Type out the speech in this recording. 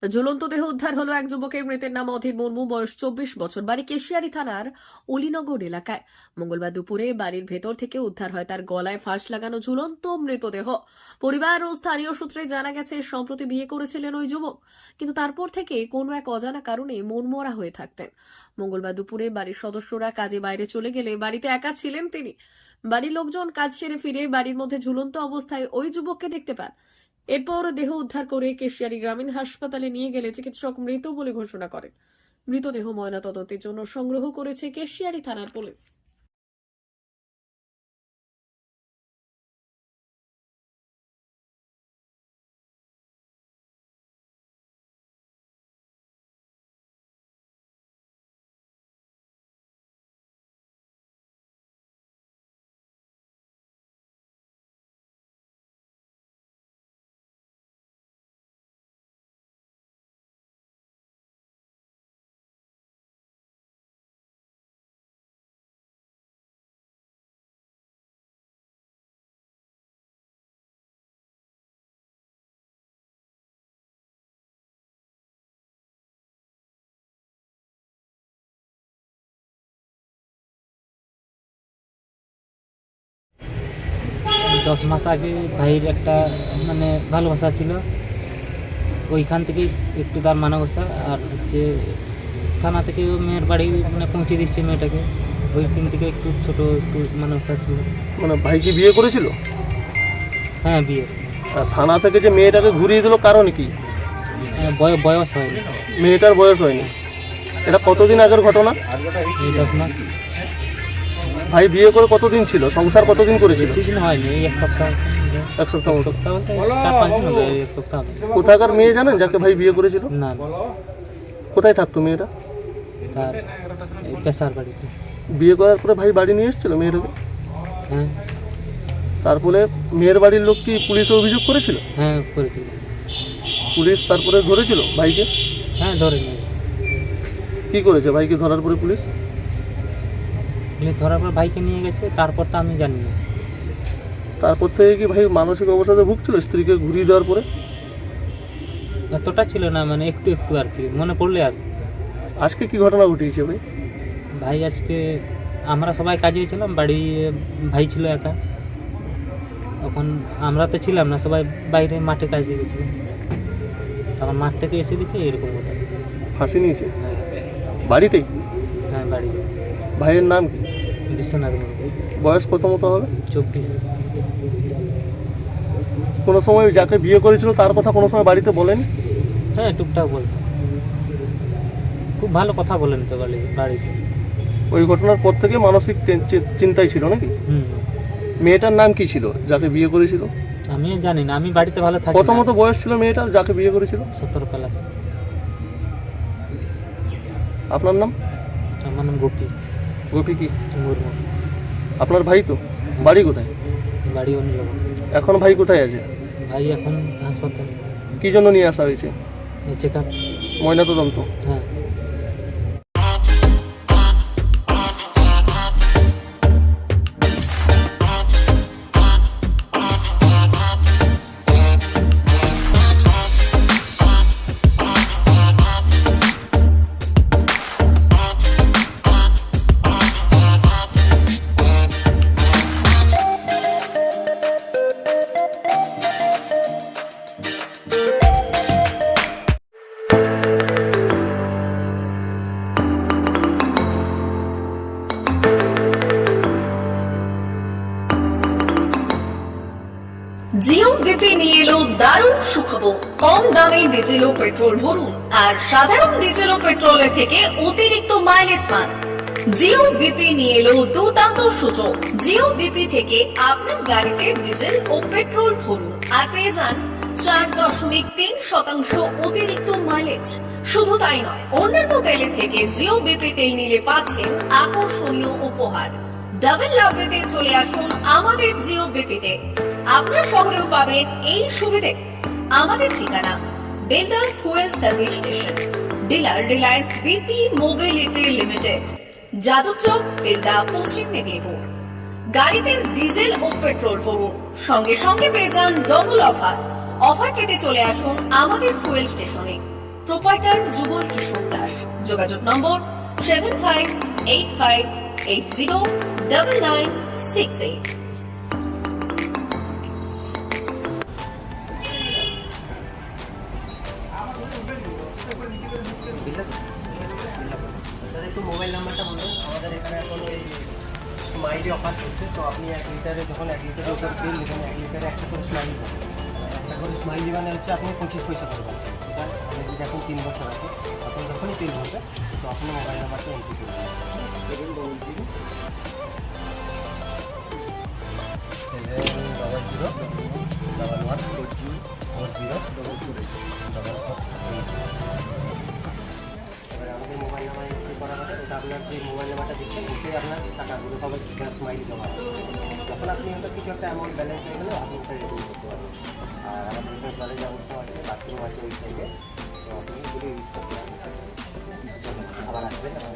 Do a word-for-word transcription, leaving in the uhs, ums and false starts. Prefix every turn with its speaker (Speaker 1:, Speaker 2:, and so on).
Speaker 1: ঝুলন্ত দেহ উদ্ধার হলো এক যুবকের। মৃতের নাম অধীর মুর্মু, বয়স চব্বিশ বছর, বাড়ি কেশিয়ারি থানার অলিনগর এলাকায়। মঙ্গলবার দুপুরে বাড়ির ভেতর থেকে উদ্ধার হয় তার গলায় ফাঁস লাগানো ঝুলন্ত মৃতদেহ। পরিবার ও স্থানীয় সূত্রে জানা গেছে, সম্প্রতি বিয়ে করেছিলেন ওই যুবক, কিন্তু তারপর থেকে কোনো এক অজানা কারণে মনমরা হয়ে থাকতেন। মঙ্গলবার দুপুরে বাড়ির সদস্যরা কাজে বাইরে চলে গেলে বাড়িতে একা ছিলেন তিনি। বাড়ির লোকজন কাজ সেরে ফিরে বাড়ির মধ্যে ঝুলন্ত অবস্থায় ওই যুবককে দেখতে পান। এরপর দেহ উদ্ধার করে কেশিয়ারি গ্রামীণ হাসপাতালে নিয়ে গেলে চিকিৎসক মৃত বলে ঘোষণা করেন। মৃতদেহ ময়নাতদন্তের জন্য সংগ্রহ করেছে কেশিয়ারি থানার পুলিশ।
Speaker 2: দশ মাস আগে ভাইয়ের একটা মানে ভালোবাসা ছিল, ওইখান থেকেই একটু তার মানবসা। আর হচ্ছে থানা থেকে মেয়ের বাড়ি মানে পৌঁছে দিচ্ছে মেয়েটাকে, ওই দিন থেকে একটু ছোট একটু মানবসা ছিল।
Speaker 3: মানে ভাই কি বিয়ে করেছিল?
Speaker 2: হ্যাঁ, বিয়ে।
Speaker 3: আর থানা থেকে যে মেয়েটাকে ঘুরিয়ে দিল, কারণ কি?
Speaker 2: হ্যাঁ, বয়- বয়স হয়নি,
Speaker 3: মেয়েটার বয়স হয়নি। এটা কতদিন আগের ঘটনা?
Speaker 2: এই দশ মাস।
Speaker 3: ভাই বিয়ে করে কতদিন ছিল? সংসার কতদিন করেছিল?
Speaker 2: বেশি দিন হয়নি, এই এক সপ্তাহ।
Speaker 3: এক সপ্তাহ
Speaker 2: এক
Speaker 3: মতো।
Speaker 2: সপ্তাহ বলতে চার পাঁচ দিন হবে, এই এক সপ্তাহ হবে।
Speaker 3: কোথাকার মেয়ে জানেন যাকে ভাই বিয়ে করেছিল?
Speaker 2: না,
Speaker 3: কোথায় থাকতো মেয়েটা?
Speaker 2: তার এই পেশার বাড়িতে।
Speaker 3: বিয়ে করার পরে ভাই বাড়ি নিয়ে এসেছিল মেয়েটাকে?
Speaker 2: হ্যাঁ
Speaker 3: তারপরে মেয়ের বাড়ির লোক কি পুলিশে অভিযোগ করেছিল?
Speaker 2: হ্যাঁ করেছিল।
Speaker 3: পুলিশ তারপরে ধরেছিল ভাইকে?
Speaker 2: হ্যাঁ, ধরে নিয়েছে।
Speaker 3: কি করেছে ভাইকে ধরার পরে পুলিশ?
Speaker 2: পুলিশ ধরার পর ভাইকে নিয়ে গেছে, তারপর তো আমি জানি না।
Speaker 3: তারপর থেকে কি ভাই মানসিক অবসাদে ভুগছিল স্ত্রীকে ঘুরিয়ে দেওয়ার পরে?
Speaker 2: এতটা ছিল না, মানে একটু একটু আর কি মনে পড়লে আর।
Speaker 3: আজকে কি ঘটনা ঘটিয়েছে ভাই?
Speaker 2: ভাই আজকে আমরা সবাই কাজে ছিলাম, বাড়ি ভাই ছিল একা, তখন আমরা তো ছিলাম না, সবাই বাইরে মাঠে কাজে গেছিলাম। তখন মাঠ থেকে এসে দেখি এরকম কথা।
Speaker 3: ফাঁসি নিয়েছে বাড়িতেই?
Speaker 2: হ্যাঁ, বাড়ি।
Speaker 3: ভাইয়ের নাম কি?
Speaker 2: বিশ্বনাথ মুর্মু,
Speaker 3: বয়স কত মতো হবে?
Speaker 2: চব্বিশ।
Speaker 3: কোনো সময় যাকে বিয়ে করেছিল তার কথা কোনো সময় বাড়িতে বলেন?
Speaker 2: হ্যাঁ, টুকটাক বল, খুব ভালো কথা বলেন তো বলে বাড়িতে।
Speaker 3: ওই ঘটনার পর থেকে মানসিক টেন- চি- চিন্তায় ছিল নাকি?
Speaker 2: হুম,
Speaker 3: মেয়েটার নাম কি ছিল যাকে বিয়ে করেছিল?
Speaker 2: আমিও জানি না, আমি বাড়িতে ভালো থাকি
Speaker 3: কত
Speaker 2: না।
Speaker 3: মতো বয়স ছিল মেয়েটার যাকে বিয়ে করেছিল?
Speaker 2: সতেরো প্লাস।
Speaker 3: আপনার নাম?
Speaker 2: আমার নাম গোপী
Speaker 3: গোপী কি?
Speaker 2: মুর্মু।
Speaker 3: আপনার ভাই তো? বাড়ি কোথায়?
Speaker 2: বাড়ি অনিল।
Speaker 3: এখন ভাই কোথায় আছে?
Speaker 2: ভাই এখন হাসপাতাল,
Speaker 3: কি জন্য নিয়ে আসা হয়েছে?
Speaker 2: Check up.
Speaker 3: ময়নাতদন্ত?
Speaker 2: হ্যাঁ।
Speaker 1: জিও বিপি নিয়ে এলো দারুণ সুখবর। কম দামে ডিজেল ও পেট্রোল ভরুন আর সাধারণ ডিজেল ও পেট্রোলের থেকে অতিরিক্ত মাইলেজ পান। জিও বিপি নিয়ে এলো দুর্দান্ত সুযোগ। জিও বিপি থেকে আপনার গাড়িতে ডিজেল ও পেট্রোল ভরুন আর পেয়ে যান চার দশমিক তিন শতাংশ অতিরিক্ত মাইলেজ। শুধু তাই নয়, অন্যান্য তেলের থেকে জিও বিপি তেল নিলে পাচ্ছেন আকর্ষণীয় উপহার। ডাবল লাভ পেতে চলে আসুন আমাদের জিও বিপিতে। আপনার শহরেও পাবেন এই সুবিধে। আমাদের ঠিকানা বেলদার fuel service station, dealer Reliance BP mobility limited, Jadabchak, Belda, Paschim Medinipur. গাড়িতে ডিজেল ও পেট্রোল ভরুন, সঙ্গে সঙ্গে পেয়ে যান ডবল অফার। অফার পেতে চলে আসুন আমাদের ফুয়েল স্টেশনে। প্রোপাইটার যুগল কিশোর দাস। যোগাযোগ number seven five eight five eight zero double nine six eight.
Speaker 4: একটু মোবাইল নাম্বারটা বলুন। আমাদের এখানে এখন এই স্মাইলি অফার চলছে, তো আপনি এক লিটারে যখন এক লিটারের উপর তেল নেবেন, এক লিটারে একটা করে স্মাইলি পাবেন। একটা করে স্মাইলি মানে হচ্ছে আপনি পঁচিশ পয়সা করবেন। এবার আপনি যদি এখন তিন বছর আছে, আপনি যখনই তেল ভরবেন তো আপনার মোবাইল নাম্বারটা এন্ট্রি করবেন। Seven double zero seven double zero double one four zero four zero double four eight double four eight. এবার আমাদের মোবাইল নাম্বার এন্ট্রি করা হবে, ওটা আপনার যে মোবাইল নাম্বারটা দিচ্ছেন ওতে আপনার টাকাগুলো সবাই স্মাইলি জমা হবে। যখন আপনি ওটা কিছু একটা অ্যামাউন্ট ব্যালেন্স হয়ে গেলে আপনি ওটা রিডিম করতে পারবেন। আর আমাদের এখানে জলের ব্যবস্থা আছে, বাথরুম আছে ওই সাইডে, তো আপনি এগুলো ইউজ করতে পারবেন। আবার আসবেন।